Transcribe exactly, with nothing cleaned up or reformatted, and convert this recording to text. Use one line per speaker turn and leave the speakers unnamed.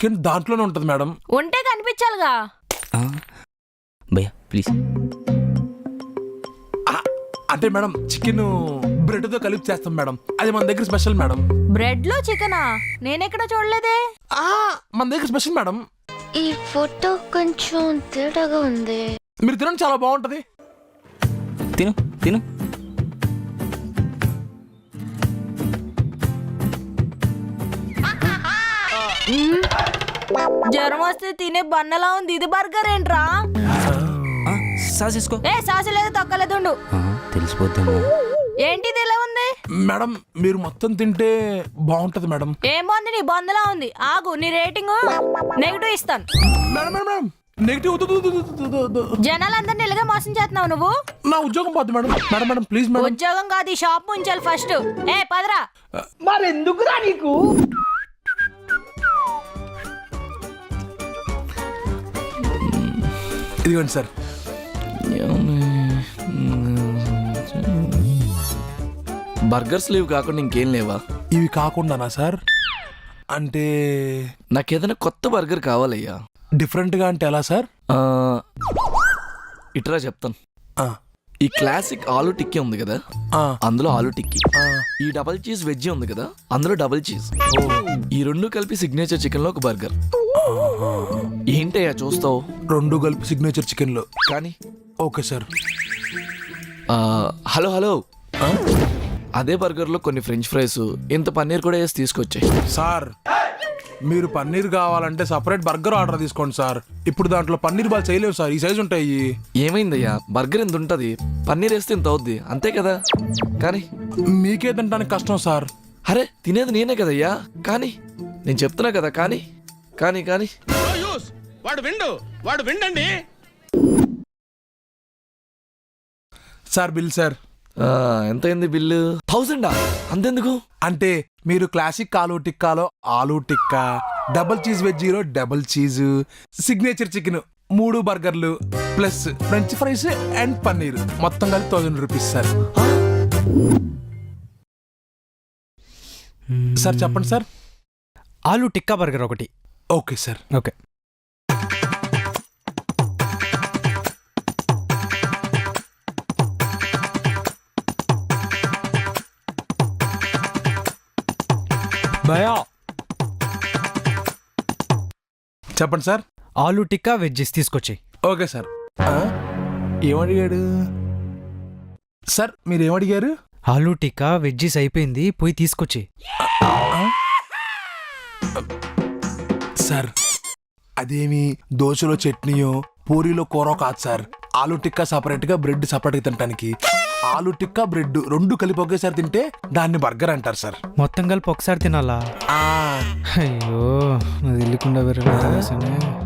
Chicken దాంట్లోనే ఉంటుంది madam.
ఉంటే కనిపించాలిగా.
భయ్యా ప్లీజ్.
అంటే మేడం చికెన్ బ్రెడ్ తో కలిపి చేస్తాం మేడం, అది మన దగ్గర స్పెషల్ మేడం.
బ్రెడ్ లో చికెనా? నేనెక్కడ చూడలేదే.
ఆ మన దగ్గర స్పెషల్ మేడం.
ఈ ఫోటో కొంచెం తేడాగా ఉంది.
మీరు తినండి, చాలా బాగుంటది.
తిను తిను.
జ్వరం వస్తే తినే బన్నలా ఉంది. ఇది బర్గర్ ఏంట్రా?
సాస్ వేసుకో.
ఏ సాసు లేదు తొక్కలేదు. ఉండు.
తెలిసిపోద్దాము.
ఏంటిది ఇలా ఉంది?
మేడం మీరు మొత్తం తింటే బాగుంటది మేడం.
ఏం బాగుంది? నీ బొందలా ఉంది. ఆగు, నీ రేటింగ్ నెగిటివ్ ఇస్తాను.
Madam madam madam negative.
జనాలందరినీ ఇలాగే మోసం చేస్తున్నావు నువ్వు.
నా ఉద్యోగం పోద్ది madam. Madam madam please madam.
ఉద్యోగం కాదు, ఈ షాప్ ఉంచాలి ఫస్ట్. ఏ పదరా.
మరెందుకురా నీకు?
ఇదిగోండి సార్.
బర్గర్స్ లేవు కాకుండా ఇంకేం లేవా?
ఇవి కాకుండానా సార్? అంటే
నాకేదైనా కొత్త బర్గర్ కావాలయ్యా.
డిఫరెంట్ గా అంటే ఎలా సార్?
ఆ, ఇట్రా చెప్తాను.
ఆ,
ఈ క్లాసిక్ ఆలూ టిక్కీ ఉంది కదా,
ఆ,
అందులో ఆలూ టిక్కీ.
ఆ.
ఈ డబల్ చీజ్ వెజ్ ఉంది కదా, అందులో డబల్ చీజ్. ఈ రెండు కలిపి సిగ్నేచర్ చికెన్ లో ఒక బర్గర్. ఏంటయ్యా చూస్తావు?
రెండు కలిపి సిగ్నేచర్ చికెన్ లో.
కానీ
ఓకే సార్.
ఆ, హలో హలో
ఆ?
అదే బర్గర్ లో కొన్ని ఫ్రెంచ్ ఫ్రైస్, ఇంత పన్నీర్ కూడా వేసి తీసుకొచ్చాయి.
సార్ మీరు పన్నీర్ కావాలంటే సపరేట్ బర్గర్ ఆర్డర్ తీసుకోండి సార్. ఇప్పుడు దాంట్లో పన్నీర్ బాల్ చేయలేవు సార్, ఈ సైజు ఉంటాయి.
ఏమైందయ్యా, బర్గర్ ఎంత ఉంటుంది, పన్నీర్ వేస్తే ఇంత అవుద్ది అంతే కదా. కానీ
మీకే తినడానికి కష్టం సార్.
అరే తినేది నేనే కదయ్యా. కానీ నేను చెప్తున్నా కదా. కానీ కానీ కానీ
వాడు విండు వాడు విండండి.
Sir bill sir.
ఆ, ఎంతైంది బిల్లు? థౌసండా? అంతెందుకు?
అంటే మీరు క్లాసిక్ ఆలూ టిక్కాలో ఆలూ టిక్కా, డబుల్ చీజ్ వెజ్జీలో డబుల్ చీజ్, సిగ్నేచర్ చికెన్ మూడు బర్గర్లు plus french fries and paneer మొత్తం కలిపి థౌసండ్ రూపీస్ సార్. సార్ చెప్పండి సార్.
ఆలూ టిక్కా బర్గర్ ఒకటి.
Okay sir.
ఓకే. భయా
చెప్పండి సార్.
ఆలూ టిక్కా వెజ్జెస్ తీసుకొచ్చి.
Okay sir. ఆ? ఏమడిగాడు సార్? మీరు ఏమడిగారు?
ఆలూ టిక్కా వెజ్జెస్ అయిపోయింది, పోయి తీసుకొచ్చి.
సార్ అదేమి దోశలో చట్నీయో పూరీలో కూర కాదు సార్. ఆలూ టిక్కా సపరేట్ గా, బ్రెడ్ సపరేట్ గా తినడానికి. ఆలూ టిక్కా బ్రెడ్ రెండు కలిపి ఒకేసారి తింటే దాన్ని బర్గర్ అంటారు సార్.
మొత్తం కలిపి ఒకసారి తినాలా?
ఆ
అయ్యో, అది వెళ్ళకుండా వేరే